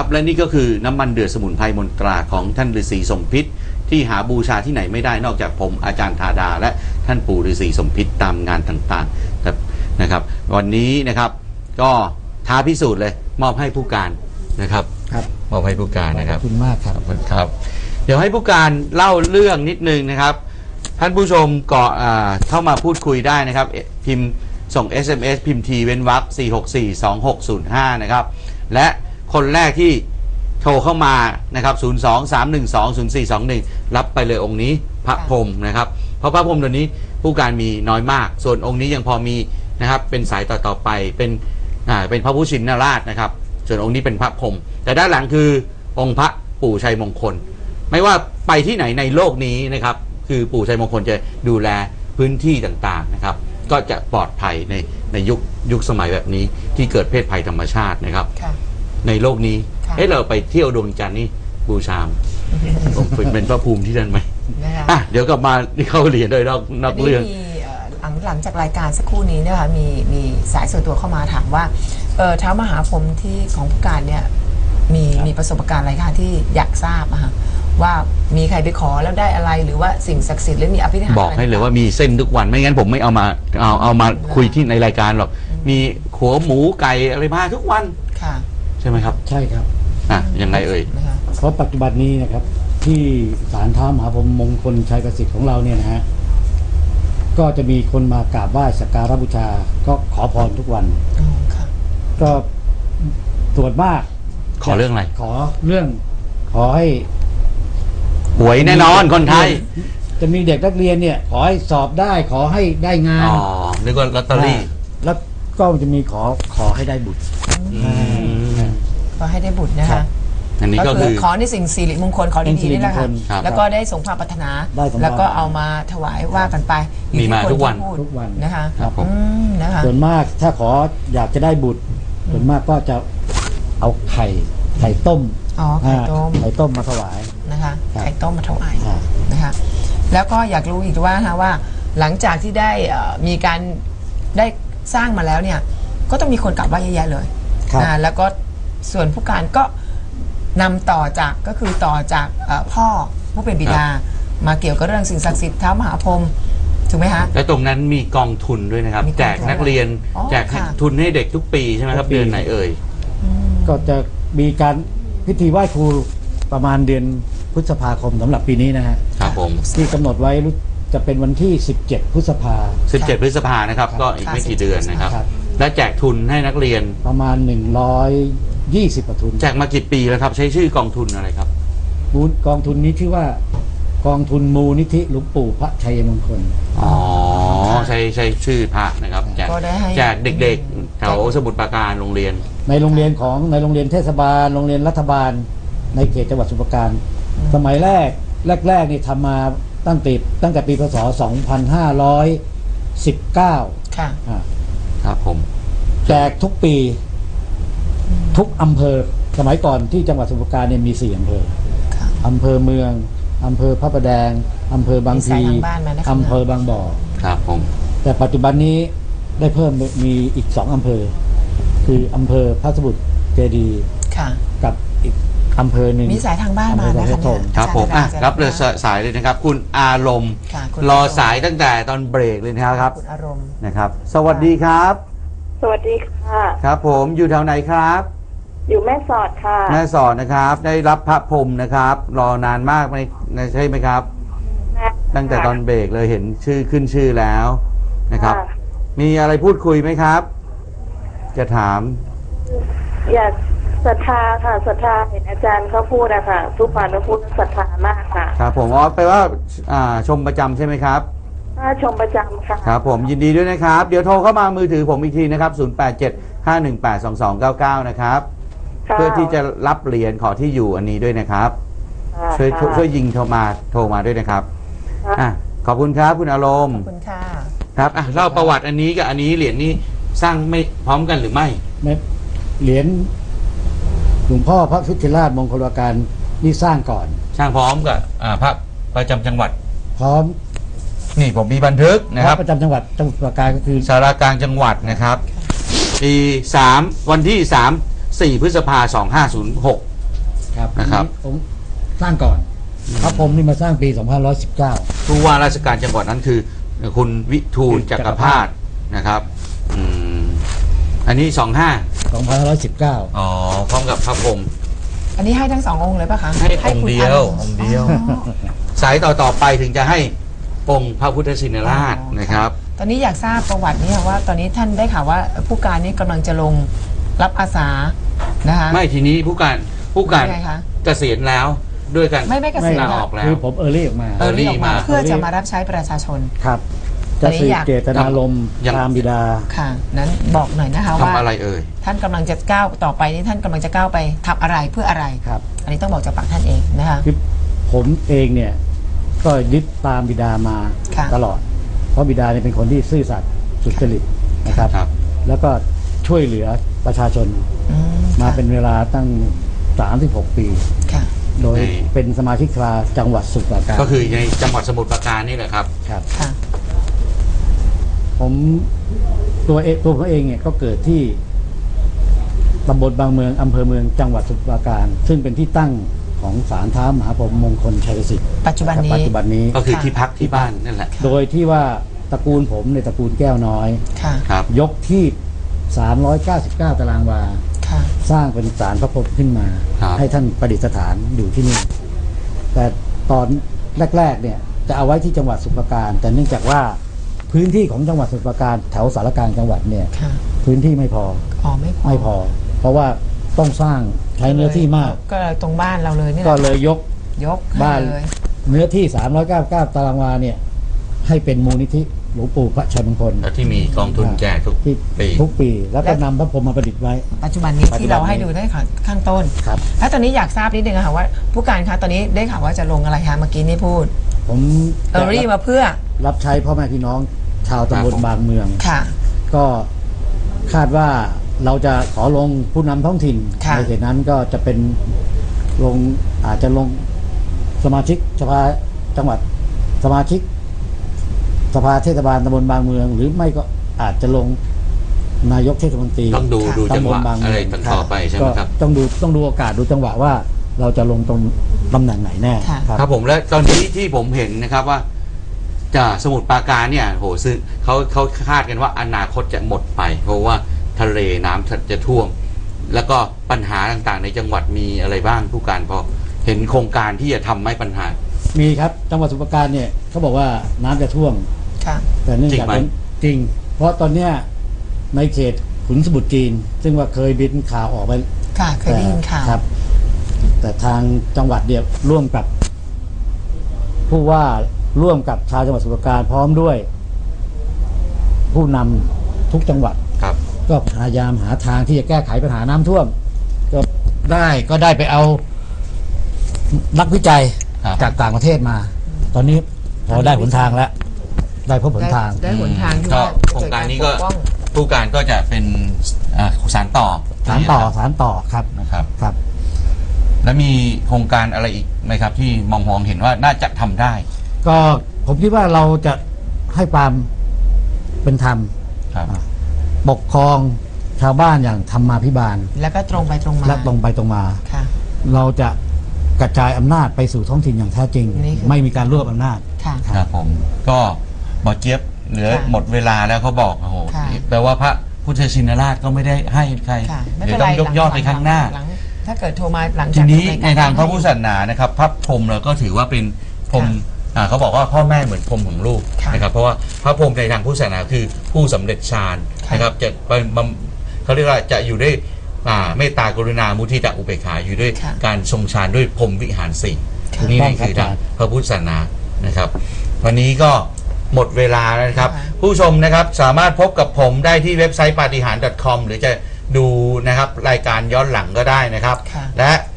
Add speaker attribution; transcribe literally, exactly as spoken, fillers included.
Speaker 1: ครับและนี่ก็คือน้ำมันเดือดสมุนไพรมนตราของท่านฤาษีสมพิษที่หาบูชาที่ไหนไม่ได้นอกจากผมอาจารย์ธาดาและท่านปู่ฤาษีสมพิษตามงานต่างๆนะครับวันนี้นะครับก็ท้าพิสูจน์เลยมอบให้ผู้การนะครับ
Speaker 2: ครับ
Speaker 1: มอบให้ผู้การนะครับ
Speaker 2: ขอบคุณมากครับ
Speaker 1: ครับเดี๋ยวให้ผู้การเล่าเรื่องนิดนึงนะครับท่านผู้ชมก็เข้ามาพูดคุยได้นะครับพิมพ์ส่ง เอส เอ็ม เอส พิมพ์ทีเว้นวรรคสี่ หก สี่ สอง หก ศูนย์ ห้านะครับและคนแรกที่โทรเข้ามานะครับศูนย์ สอง สาม หนึ่ง สอง ศูนย์ สี่ สอง หนึ่งรับไปเลยองค์นี้พระพรหมนะครับเพราะพระพรหมตัวนี้ผู้การมีน้อยมากส่วนองค์นี้ยังพอมีนะครับเป็นสายต่อต่อไปเป็นอ่าเป็นพระพุทธชินราชนะครับส่วนองค์นี้เป็นพระพรหมแต่ด้านหลังคือองค์พระปู่ชัยมงคลไม่ว่าไปที่ไหนในโลกนี้นะครับคือปู่ชัยมงคลจะดูแลพื้นที่ต่างๆนะครับก็จะปลอดภัยในในยุคยุคสมัยแบบนี้ที่เกิดเพศภัยธรรมชาตินะครับในโลกนี้เอ๊ะเราไปเที่ยวดวงจันทร์นี่บูชามเป็นพระภูมิที่นั่นไหมอ่ะเดี๋ยวกลับมาเข้าเรียนโดยนอกนอกเรื่อง
Speaker 3: หลังหลังจากรายการสักครู่นี้เนี่ยค่ะมีมีสายส่วนตัวเข้ามาถามว่าเออท้าวมหาพรหมที่ของผู้การเนี่ยมีมีประสบการณ์อะไรคะที่อยากทราบอะค่ะว่ามีใครไปขอแล้วได้อะไรหรือว่าสิ่งศักดิ์สิทธิ์หรือมีอภินิหาร
Speaker 1: บอกให้เลยว่ามีเส้นทุกวันไม่งั้นผมไม่เอามาเอาเอามาคุยที่ในรายการหรอกมีขัวหมูไก่อะไรมาทุกวัน
Speaker 3: ค่ะ
Speaker 1: ใช่ไหมครับ
Speaker 2: ใช่ครับ
Speaker 1: อ่ะยังไงเอ่ย
Speaker 2: เพราะปัจจุบันนี้นะครับที่ศาลท้าวมหาพรหมมงคลชัยประสิทธิ์ของเราเนี่ยนะฮะก็จะมีคนมากราบไหว้สักการะบูชาก็ขอพรทุกวันก็ส่วนมาก
Speaker 1: ขอเรื่องอะไร
Speaker 2: ขอเรื่องขอให้
Speaker 1: หวยแน่นอนคนไทย
Speaker 2: จะมีเด็กนักเรียนเนี่ยขอให้สอบได้ขอให้ได้งาน
Speaker 1: อ๋อนึกว่าลอตเตอรี่
Speaker 2: แล้วก็จะมีขอขอให้ได้บุตร
Speaker 3: ขอให้ได้บุตรนะคะ
Speaker 1: อันนี้ก็คือ
Speaker 3: ขอในสิ่งสิริมงคลขอดีๆนี่แหละค่ะแล้วก็ได้สมความปรารถนาแล้วก็เอามาถวายว่ากันไป
Speaker 1: มีมาทุกวัน
Speaker 2: ทุกวัน
Speaker 3: นะคะ
Speaker 2: นะคะส่วนมากถ้าขออยากจะได้บุตรส่วนมากก็จะเอาไข่ไข่ต้ม
Speaker 3: อ๋อไข่ต้ม
Speaker 2: ไข่ต้มมาถวาย
Speaker 3: นะคะไข่ต้มมาถวายนะคะแล้วก็อยากรู้อีกว่านะว่าหลังจากที่ได้มีการได้สร้างมาแล้วเนี่ยก็ต้องมีคนกลับไหว้เยอะแยะเลยนะแล้วก็ส่วนผู้การก็นำต่อจากก็คือต่อจากพ่อผู้เป็นบิดามาเกี่ยวกับเรื่องสิ่งศักดิ์สิทธิ์ท้าวมหาพรหมถูกไหมฮะ
Speaker 1: และตรงนั้นมีกองทุนด้วยนะครับแจกนักเรียนแจกทุนให้เด็กทุกปีใช่ไหมครับเดือนไหนเอ่ย
Speaker 2: ก็จะมีการพิธีไหว้ครูประมาณเดือนพฤษภาคมสำหรับปีนี้นะฮะ
Speaker 1: ครับผม
Speaker 2: ที่กำหนดไว้จะเป็นวันที่สิบเจ็ดพฤษภา
Speaker 1: สิบเจ็ดพฤษภานะครับก็อีกไม่กี่เดือนนะครับและแจกทุนให้นักเรียน
Speaker 2: ประมาณหนึ่งร้อยยี่สิบทุน
Speaker 1: แจกมากี่ปีแล้วครับใช้ชื่อกองทุนอะไรครับ
Speaker 2: กองทุนนี้ชื่อว่ากองทุนมูลนิธิหลวงปู่พระชัยมงคล
Speaker 1: อ๋อใช้ใช้ชื่อพระนะครับแจกแจกเด็กๆแถวสมุทรปราการโรงเรียน
Speaker 2: ในโรงเรียนของในโรงเรียนเทศบาลโรงเรียนรัฐบาลในเขตจังหวัดสมุทรปราการสมัยแรกแรกๆนี่ทำมาตั้งแต่ตั้งแต่ปีพศสองพันห้าร้อยสิบเก้า
Speaker 3: ค่ะ
Speaker 1: ครับผม
Speaker 2: แจกทุกปีทุกอำเภอสมัยก่อนที่จังหวัดสมุทรปราการเนี่ยมีสี่อำเภออำเภอเมืองอำเภอพระประแดงอำเภอบางพลีอำเภอบางบ่อ
Speaker 1: ครับผม
Speaker 2: แต่ปัจจุบันนี้ได้เพิ่มมีอีกสองอำเภอคืออำเภอพระสมุทรเจดีย์กับอีกอำเภอหนึ่ง
Speaker 3: มีสายทางบ้านมานะคะ
Speaker 1: ครับผมอ่ะรับเลยสายเลยนะครับคุณอารมณ์รอสายตั้งแต่ตอนเบรกเลยนะครับ
Speaker 3: คุณอารมณ์
Speaker 1: นะครับสวัสดีครับ
Speaker 4: สวัสดีค่ะ
Speaker 1: ครับผมอยู่แถวไหนครับ
Speaker 4: อยู่แม่สอดค่ะ
Speaker 1: แม่สอดนะครับได้รับพระพรหมนะครับรอนานมากไหมใช่ไหมครับตั้งแต่ตอนเบรกเลยเห็นชื่อขึ้นชื่อแล้วนะครับมีอะไรพูดคุยไหมครับจะถาม
Speaker 4: อยากศรัทธาค่ะศรัทธาเห็นอาจารย์เขาพูดอะค่ะทุกวันเขาพูดศรัทธามากค่ะ
Speaker 1: ครับผมอ๋อแปลว่าชมประจำใช่ไหมครับ
Speaker 4: ชมประจำค่ะ
Speaker 1: ครับผมยินดีด้วยนะครับเดี๋ยวโทรเข้ามามือถือผมอีกทีนะครับศูนย์แปดเจ็ด ห้าหนึ่งแปด สองสองเก้าเก้านะครับเพื่อที่จะรับเหรียญขอที่อยู่อันนี้ด้วยนะครับช่วยช่วยยิงโทรมาโทรมาด้วยนะครับอ่ะขอบคุณครับคุณอารมณ์
Speaker 3: ขอบคุณค่ะ
Speaker 1: ครับอ่ะเล่าประวัติอันนี้กับอันนี้เหรียญนี้สร้างไม่พร้อมกันหรือไม่
Speaker 2: ไม่เหรียญหลวงพ่อพระพุทธราชมงคลการนี่สร้างก่อน
Speaker 1: สร้างพร้อมกับพระประจำจังหวัด
Speaker 2: พร้อม
Speaker 1: นี่ผมมีบันทึกนะครับ
Speaker 2: ประจำจังหวัดจังหวัดสมุทรปราการก็คือ
Speaker 1: สารากลางจังหวัดนะครับปีสามวันที่สามสี่พฤษภาคมสองห้าศูนย์หก
Speaker 2: ครับ
Speaker 1: นะครับ
Speaker 2: อัผมสร้างก่อนพระพรหมนี่มาสร้างปีสองพันหนึ่งร้อยสิบเก้า
Speaker 1: ผู้ว่าราชการจังหวัดนั้นคือคุณวิทูลจักรพาสนะครับอืมอันนี้สองห้า
Speaker 2: สองพันห้าร้อยสิบเก้า
Speaker 1: อ๋อพร้อมกับพระพรหม
Speaker 3: อันนี้ให้ทั้งสององค์เลยป่ะคะ
Speaker 1: ให้องค์
Speaker 3: คุณ
Speaker 1: เดียว
Speaker 3: า
Speaker 1: องค์เดียว
Speaker 3: อ๋อ
Speaker 1: สายต่อต่อไปถึงจะให้องค์พระพุทธชินราช
Speaker 3: อ๋อ
Speaker 1: นะครับ
Speaker 3: ตอนนี้อยากทราบประวัตินี้ค่ะว่าตอนนี้ท่านได้ข่าวว่าผู้การนี้กำลังจะลงรับอาสานะคะ
Speaker 1: ไม่ทีนี้ผู้การผู้การ
Speaker 3: ยังไงคะ
Speaker 1: เกษียณแล้วด้วยกัน
Speaker 3: ไม่ไม่เกษียณ
Speaker 1: ลา
Speaker 3: ค่ะ
Speaker 1: ออกแล้ว
Speaker 2: คือผมเออร์ลี่ออกมา
Speaker 3: เออรีบออกมา
Speaker 1: มา
Speaker 3: เพื่อจะมารับใช้ประชาชน
Speaker 2: ครับ
Speaker 3: ตอ
Speaker 2: จะ
Speaker 3: นนี้
Speaker 2: สืบ
Speaker 3: อยาก
Speaker 2: เจตนารมณ์
Speaker 1: ยัง
Speaker 2: ตามบิดา
Speaker 3: ค่ะนั้นบอกหน่อยนะคะว่า
Speaker 1: ทำอะไรเอ่ย
Speaker 3: ท่านกำลังจะก้าวต่อไปนี่ท่านกำลังจะก้าวไปทำอะไรเพื่ออะไร
Speaker 2: ครับ
Speaker 3: อันนี้ต้องบอกจากปากท่านเองนะคะ
Speaker 2: คือผมเองเนี่ยก็ยึดตามบิดามา
Speaker 3: ค่ะ
Speaker 2: ตลอด เพราะบิดาเนี่ยเป็นคนที่ซื่อสัตย์สุจริตนะครับ
Speaker 1: ครับ
Speaker 2: แล้วก็ช่วยเหลือประชาชน
Speaker 3: อืม
Speaker 2: มา
Speaker 3: ค่ะ
Speaker 2: เป็นเวลาตั้งสามสิบหกปี
Speaker 3: ค่ะ
Speaker 2: โดย
Speaker 1: ใน
Speaker 2: เป็นสมาชิกสภาจังหวัดสมุพรปราการ
Speaker 1: ก็คือในจังหวัดสมุทรปราการนี่แหละครับ
Speaker 2: ครับ
Speaker 3: ค่ะ
Speaker 2: ผมตัวเองตัวผมเองเนี่ยก็เกิดที่ตำบลบางเมืองอำเภอเมืองจังหวัดสมุพรปราการ ซึ่งเป็นที่ตั้งของศาลท้ามหาพรหมมงคลชัยสิทธิ์
Speaker 3: ปัจจุบันนี้
Speaker 2: ปัจจุบันนี้
Speaker 1: ก็คือ
Speaker 3: ค่ะ
Speaker 1: ที่พักที่บ้านนั่นแหละ
Speaker 2: โดยที่ว่าตระกูลผมในยตระกูลแก้วน้อย
Speaker 3: ค่ะ
Speaker 1: ครับ
Speaker 2: ยกที่สามร้อยเก้าสิบเก้าตารางวา
Speaker 3: ค่ะ
Speaker 2: สร้างเป็นศาลพระพรหมขึ้นมา
Speaker 1: ครับ
Speaker 2: ให้ท่านประดิษฐานอยู่ที่นี่ แต่ตอนแรกๆเนี่ยจะเอาไว้ที่จังหวัดสมุพรปราการ แต่เนื่องจากว่าพื้นที่ของจังหวัดสมุพรปราการแถวสารกลางจังหวัดเนี่ย
Speaker 3: ค่ะ
Speaker 2: พื้นที่ไม่พอ
Speaker 3: อ๋อไม่พอ
Speaker 2: ไม่พอ เพราะว่าต้องสร้างใช้เนื้อที่มาก
Speaker 3: ก็เลยตรงบ้านเราเลยนี่แห
Speaker 2: ก็
Speaker 3: ละ
Speaker 2: เลยยก
Speaker 3: ยก
Speaker 2: บ้าน
Speaker 3: ให้เลย
Speaker 2: เนื้อที่สามร้อยเก้าสิบเก้าตารางวาเนี่ยให้เป็นมูลนิธิหลวงปู่พระชัยมงคล
Speaker 1: แล้วที่มีกองทุนแจกทุก
Speaker 2: ที่
Speaker 1: ปี
Speaker 2: ทุกปี แล้วก็นำพระพรหมมาประดิษฐ์ไว้
Speaker 3: ปัจจุบันนี้
Speaker 2: ปัจจุ
Speaker 3: ที่
Speaker 2: บัน
Speaker 3: เราให้
Speaker 2: นี้
Speaker 3: ดูได้ค่ะข้างต้น
Speaker 2: ครับ
Speaker 3: แล้วตอนนี้อยากทราบนิดนึงอะค่ะว่า ผู้การคะตอนนี้ได้ข่าวว่าจะลงอะไรคะเมื่อกี้นี่พูด
Speaker 2: ผม
Speaker 3: เออรี่มาเพื่อ
Speaker 2: รับใช้พ่อแม่พี่น้องชาวตำบลบางเมือง
Speaker 3: ค่ะ
Speaker 2: ก็คาดว่าเราจะขอลงผู้นำท้องถิ่น
Speaker 3: ค่ะ
Speaker 2: ในเขตนั้นก็จะเป็นลงอาจจะลงสมาชิกสภาจังหวัดสมาชิก สภาเทศบาลตำบลบางเมือง หรือไม่ก็อาจจะลงนายกเทศมนตรี
Speaker 1: ต้องดูดูจังหวะ
Speaker 2: ตำบลบางเมื
Speaker 1: อะไร
Speaker 2: อง
Speaker 1: ต่อไปใช่ไหมครับ
Speaker 2: ก็ต้องดูต้องดูโอกาสดูจังหวะว่าเราจะลงตรงตำแหน่งไหนแน่
Speaker 3: ค่ะ
Speaker 2: ครับ
Speaker 1: ครับผมและตอนนี้ที่ผมเห็นนะครับว่าจากสมุทรปราการเนี่ยโหซึ่งเขาเขาคาดกันว่าอนาคตจะหมดไป เพราะว่าทะเลน้ำจะท่วม แล้วก็ปัญหาต่างๆ ในจังหวัดมีอะไรบ้างผู้การพอเห็นโครงการที่จะทำไม่ปัญหา
Speaker 2: มีครับจังหวัดสมุพรปราการเนี่ยเขาบอกว่าน้ำจะท่วม
Speaker 3: ค่ะ
Speaker 2: แต่เนื่องจาก
Speaker 1: จริงไหม
Speaker 2: เป็นจริง เพราะตอนเนี้ยในเขตขุนสมุทรจีน ซึ่งว่าเคยบินข่าวออกไป
Speaker 3: ค่ะ เคยได้ยินข่าว
Speaker 2: ครับ แต่ทางจังหวัดเดียวร่วมกับ ผู้ว่าร่วมกับชาวจังหวัดสมุพรปราการพร้อมด้วย ผู้นำทุกจังหวัด
Speaker 1: ครับ
Speaker 2: ก็พยายามหาทางที่จะแก้ไขปัญหาน้ำท่วม ก็ได้ก็ได้ไปเอานักวิจัย
Speaker 1: ครับ
Speaker 2: จากต่างประเทศมา ตอนนี้พอได้หนทางแล้ว ได้พบหนทาง
Speaker 3: ได้หนทางที่
Speaker 1: ก็
Speaker 3: ว่า
Speaker 1: โครงการนี้ก็
Speaker 3: จะเดปป้อง
Speaker 1: ผู้การก็จะเป็นอ่าสารต่อ
Speaker 2: สารต่อสารต่อครับ
Speaker 1: นะครับ
Speaker 2: ครับ
Speaker 1: แล้วมีโครงการอะไรอีกไหมครับ ที่มองมองเห็นว่าน่าจะทำได้
Speaker 2: ก็ผมคิดว่าเราจะให้ความเป็นธรรม
Speaker 1: ครับ
Speaker 2: ปกครองชาวบ้านอย่างธรรมาภิบาล
Speaker 3: แล้วก็ตรงไปตรงมา
Speaker 2: และตรงไปตรงมา
Speaker 3: ค่ะ
Speaker 2: เราจะกระจายอำนาจไปสู่ท้องถิ่นอย่างแท้จริง
Speaker 3: นี่คือ
Speaker 2: ไม่มีการรวบอำนาจ
Speaker 3: ค่ะ
Speaker 1: ครับผมก็หมอเจี๊ยบเหลือ
Speaker 3: ค่ะ
Speaker 1: หมดเวลาแล้วเขาบอกโอ้โห
Speaker 3: ค่ะ
Speaker 1: แปลว่าพระพุทธชินราชก็ไม่ได้ให้ใคร
Speaker 3: ค่ะ ไม่
Speaker 1: เดี๋
Speaker 3: เป็
Speaker 1: ย
Speaker 3: น
Speaker 1: ว
Speaker 3: ไร
Speaker 1: ต้องยกยอดไปข้างหน้า
Speaker 3: ลังถ้าเกิดโทรมาหลัง
Speaker 1: ที
Speaker 3: จาก
Speaker 1: นี้
Speaker 3: รยกร
Speaker 1: ในทางพระพุทธศาสนานะครับพระพรหมเราก็ถือว่าเป็นพรหมอ่าเขาบอกว่าพ่อแม่เหมือนพรหมของลูก
Speaker 3: ค่ะ
Speaker 1: นะครับเพราะว่าพระพรหมในทางพุทธศาสนาคือผู้สำเร็จฌาน
Speaker 3: ค่ะ
Speaker 1: นะครับจะเป็นบำเขาเรียกว่าจะอยู่ด้วยอ่าเมตตากรุณามุทิตาอุเบกขาอยู่ด้วย
Speaker 3: ค่ะ
Speaker 1: การทรงฌานด้วยพรหมวิหารสี่
Speaker 3: ค่ะ
Speaker 1: นี่
Speaker 2: ถูกต้อง
Speaker 1: นี่คือ
Speaker 2: ครั
Speaker 1: ทาง
Speaker 2: บ
Speaker 1: พระพุทธศาสนานะครับ วันนี้ก็หมดเวลาแล้วนะครับ
Speaker 3: ค่ะ
Speaker 1: ผู้ชมนะครับสามารถพบกับผมได้ที่เว็บไซต์ปาฏิหาริย์ .com หรือจะดูนะครับรายการย้อนหลังก็ได้นะครับ
Speaker 3: ค่ะ
Speaker 1: และ